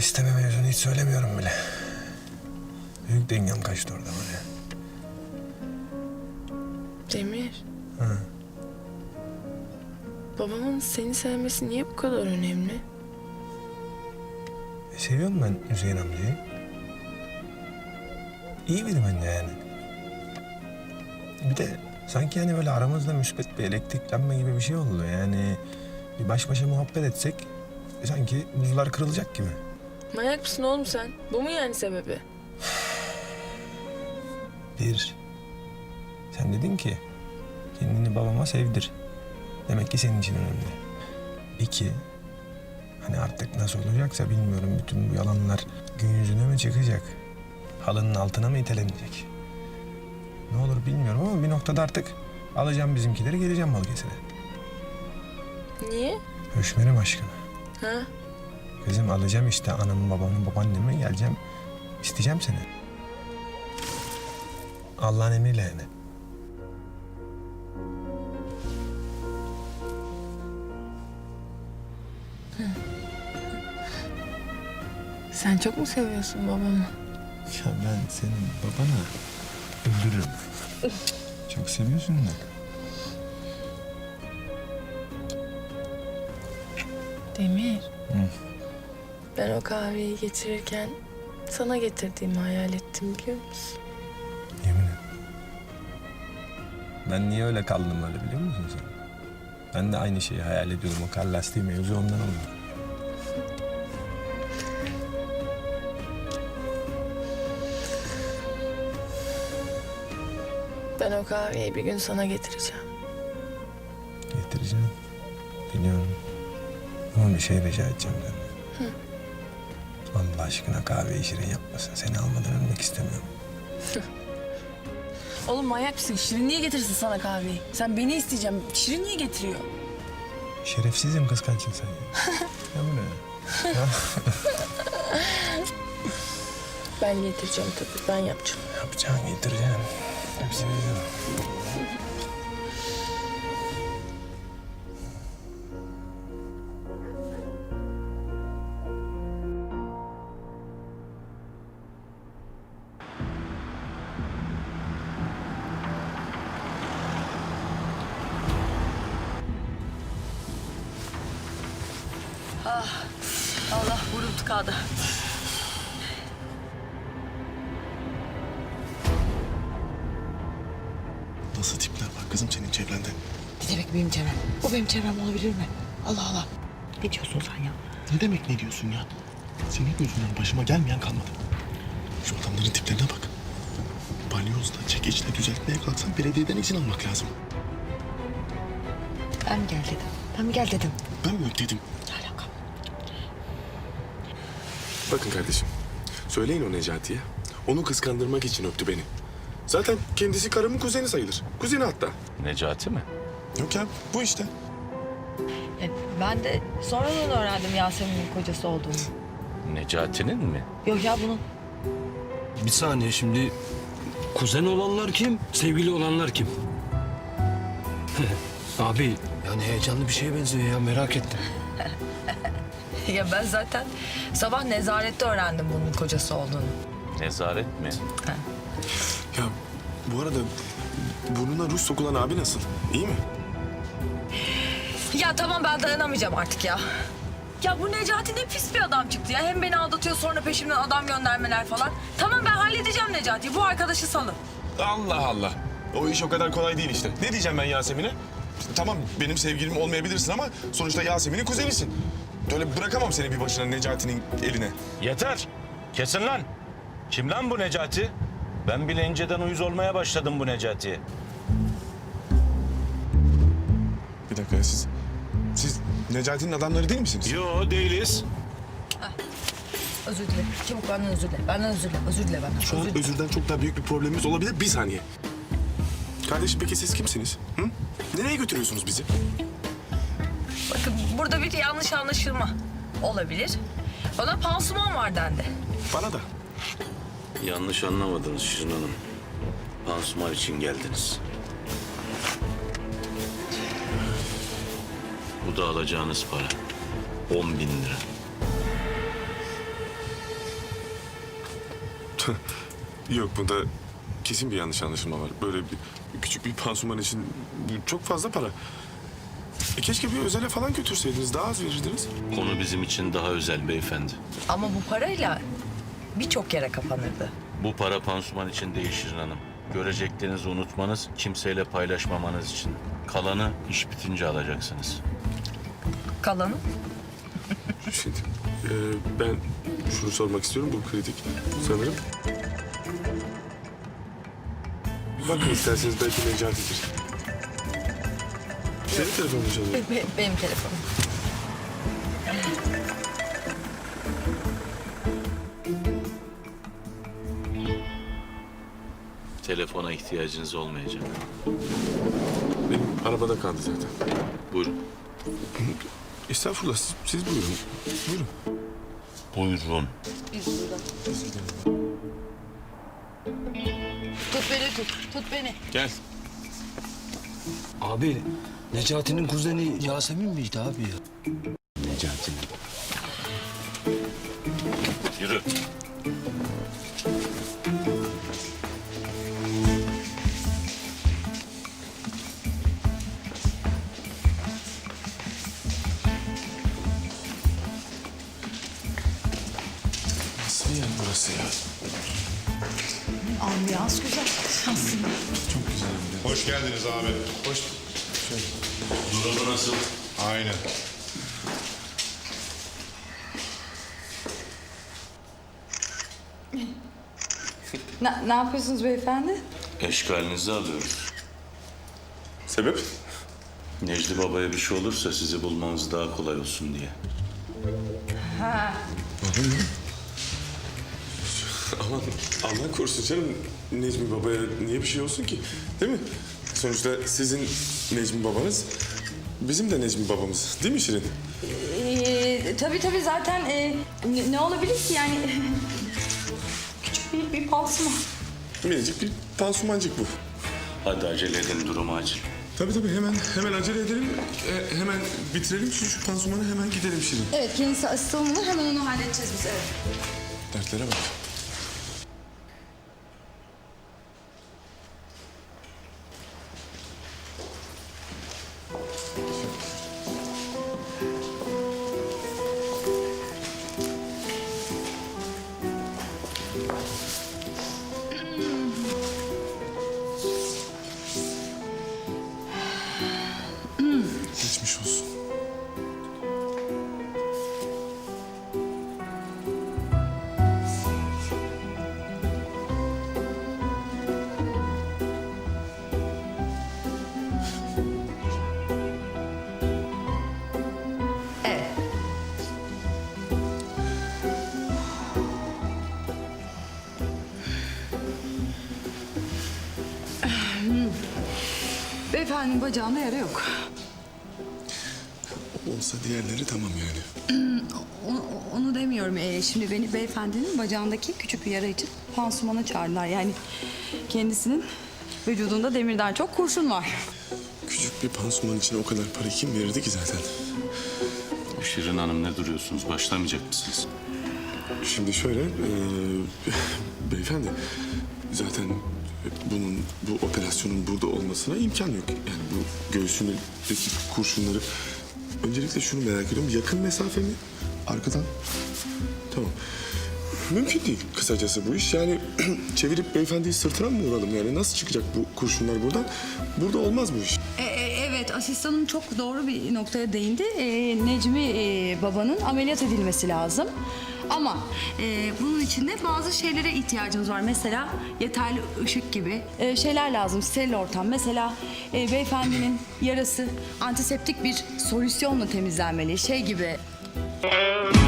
isteme mevzunu hiç söylemiyorum bile. Büyük dengem kaçtı orada var ya. Demir, Hı. babamın seni sevmesi niye bu kadar önemli? Seviyorum ben Hüseyin amcayı. İyi biri bence yani. Bir de sanki hani böyle aramızda müspet bir elektriklenme gibi bir şey oldu. Yani bir baş başa muhabbet etsek sanki buzlar kırılacak gibi. Manyak mısın oğlum sen? Bu mu yani sebebi? Bir, sen dedin ki kendini babama sevdir. Demek ki senin için önemli. İki, hani artık nasıl olacaksa bilmiyorum, bütün bu yalanlar gün yüzüne mi çıkacak? Halının altına mı itelenecek? Ne olur bilmiyorum ama bir noktada artık alacağım bizimkileri, geleceğim Balıkesir'e. Niye? Höşmerim aşkına. Ha? Kızım alacağım işte anamı, babamı, babaannemi, geleceğim. İsteyeceğim seni. Allah'ın emriyle yani. Sen çok mu seviyorsun babamı? Ya ben senin babana öldürürüm. Çok seviyorsun da. Demir. Hı. Ben o kahveyi getirirken sana getirdiğimi hayal ettim biliyor musun? Yemin et. Ben niye öyle kaldım öyle biliyor musun sen? Ben de aynı şeyi hayal ediyorum. O kar lastiği mevzu ondan oldu. Ben o kahveyi bir gün sana getireceğim. Getireceğim. Biliyorum. Ama bir şey rica edeceğim senden. Allah aşkına kahveyi şirin yapmasın. Seni almadan ölmek istemiyorum. Oğlum manyak mısın? Şirin niye getirsin sana kahveyi? Sen beni isteyeceğim. Şirin niye getiriyor? Şerefsizim, kıskançsın sen ya. Ya bu ne? Ben getireceğim tabii. Ben yapacağım. Yapacağını getireceksin. Hepsini biliyorum. Allah burnum tıkadı. Nasıl tipler var kızım senin çevrende? Ne demek benim çevrem? O benim çevrem olabilir mi? Allah Allah. Ne diyorsun sen ya? Ne demek ne diyorsun ya? Senin yüzünden başıma gelmeyen kalmadı. Şu adamların tiplerine bak. Balyozla, çekeçle düzeltmeye kalksan belediyeden izin almak lazım. Ben mi gel dedim? Ben mi gel dedim? Ben mi dedim? Ne alaka? Bakın kardeşim, söyleyin o Necati'ye. Onu kıskandırmak için öptü beni. Zaten kendisi karımın kuzeni sayılır. Kuzeni hatta. Necati mi? Yok ya, bu işte. Ben de sonradan öğrendim Yasemin'in kocası olduğunu. Necati'nin mi? Yok ya bunun. Bir saniye şimdi kuzen olanlar kim, sevgili olanlar kim? Abi yani heyecanlı bir şeye benziyor ya, merak ettim. Ya ben zaten sabah nezarette öğrendim bunun kocası olduğunu. Nezaret mi? Ya bu arada burnuna ruj sokulan abi nasıl? İyi mi? Ya tamam ben dayanamayacağım artık ya. Ya bu Necati ne pis bir adam çıktı ya. Hem beni aldatıyor sonra peşimden adam göndermeler falan. Tamam ben halledeceğim Necati'yi. Bu arkadaşı salın. Allah Allah. O iş o kadar kolay değil işte. Ne diyeceğim ben Yasemin'e? Tamam benim sevgilim olmayabilirsin ama sonuçta Yasemin'in kuzenisin. Öyle bırakamam seni bir başına Necati'nin eline. Yeter! Kesin lan! Kim lan bu Necati? Ben bile inceden uyuz olmaya başladım bu Necati'ye. Bir dakika siz Necati'nin adamları değil misiniz? Yo değiliz. Özür dile. Çabuk benden özür dile. Benden özür dile. Özür dile benden. Şu an Özür dile. özürden çok daha büyük bir problemimiz olabilir. Bir saniye. Kardeşim peki siz kimsiniz? Hı? Nereye götürüyorsunuz bizi? Bakın burada bir yanlış anlaşılma olabilir. Bana pansuman var dendi. Bana da. Yanlış anlamadınız Şirin Hanım. Pansuman için geldiniz. Bu da alacağınız para. 10.000 lira. Yok, bunda kesin bir yanlış anlaşılma var. Böyle küçük bir pansuman için bu çok fazla para. Keşke bir özele falan götürseydiniz, daha az verirdiniz. Konu bizim için daha özel beyefendi. Ama bu parayla birçok yere kapanırdı. Bu para pansuman için değil Şirin Hanım. Göreceklerinizi unutmanız, kimseyle paylaşmamanız için. Kalanı iş bitince alacaksınız. Kalanı? Şimdi ben şunu sormak istiyorum, bu kritik sanırım. Bakın isterseniz, belki Necati'dir. Senin telefonun çalıyor. Benim telefonum. Telefona ihtiyacınız olmayacak. Benim arabada kaldı zaten. Buyurun. Estağfurullah, siz buyurun. Buyurun. Buyurun. Tut beni tut beni. Gel. Abi Necati'nin kuzeni Yasemin miydi abi ya? Necati'nin. Yürü. Nasıl bir yer burası ya? Ambiyans güzel aslında. Çok güzel bir yer. Hoş geldiniz abi. Hoş. Durumu nasıl? Aynen. Ne yapıyorsunuz beyefendi? Eşkalinizi alıyoruz. Sebep? Necdi Baba'ya bir şey olursa sizi bulmanız daha kolay olsun diye. Aman Allah korusun canım. Necmi Baba'ya niye bir şey olsun ki? Değil mi? Sonuçta sizin Necmi babanız, bizim de Necmi babamız. Değil mi Şirin? Tabii zaten ne olabilir ki yani küçük bir pansuman. Minicik bir pansumancık bu. Hadi acele edin, durumu acil. Tabii hemen acele edelim. Hemen bitirelim şu pansumanı, hemen gidelim Şirin. Evet kendisi asılmalı hemen onu halledeceğiz biz evet. Dertlere bak. Geçmiş olsun. Beyefendinin bacağında yara yok. Olsa diğerleri tamam yani. Onu demiyorum. Şimdi beni beyefendinin bacağındaki küçük bir yara için pansumana çağırdılar. Yani kendisinin vücudunda demirden çok kurşun var. Küçük bir pansuman için o kadar para kim verirdi ki zaten? Şirin Hanım, ne duruyorsunuz? Başlamayacak mısınız? Şimdi şöyle, beyefendi zaten bu operasyonun burada olmasına imkan yok. Yani bu göğsündeki kurşunları, öncelikle şunu merak ediyorum, yakın mesafe mi? Arkadan? Tamam. Mümkün değil kısacası bu iş. Yani çevirip beyefendiyi sırtına mı vuralım yani? Nasıl çıkacak bu kurşunlar buradan? Burada olmaz bu iş. Evet asistanım çok doğru bir noktaya değindi. Necmi babanın ameliyat edilmesi lazım. Ama bunun için de bazı şeylere ihtiyacımız var. Mesela yeterli ışık gibi şeyler lazım. Steril ortam. Mesela beyefendinin yarası antiseptik bir solüsyonla temizlenmeli. Şey gibi.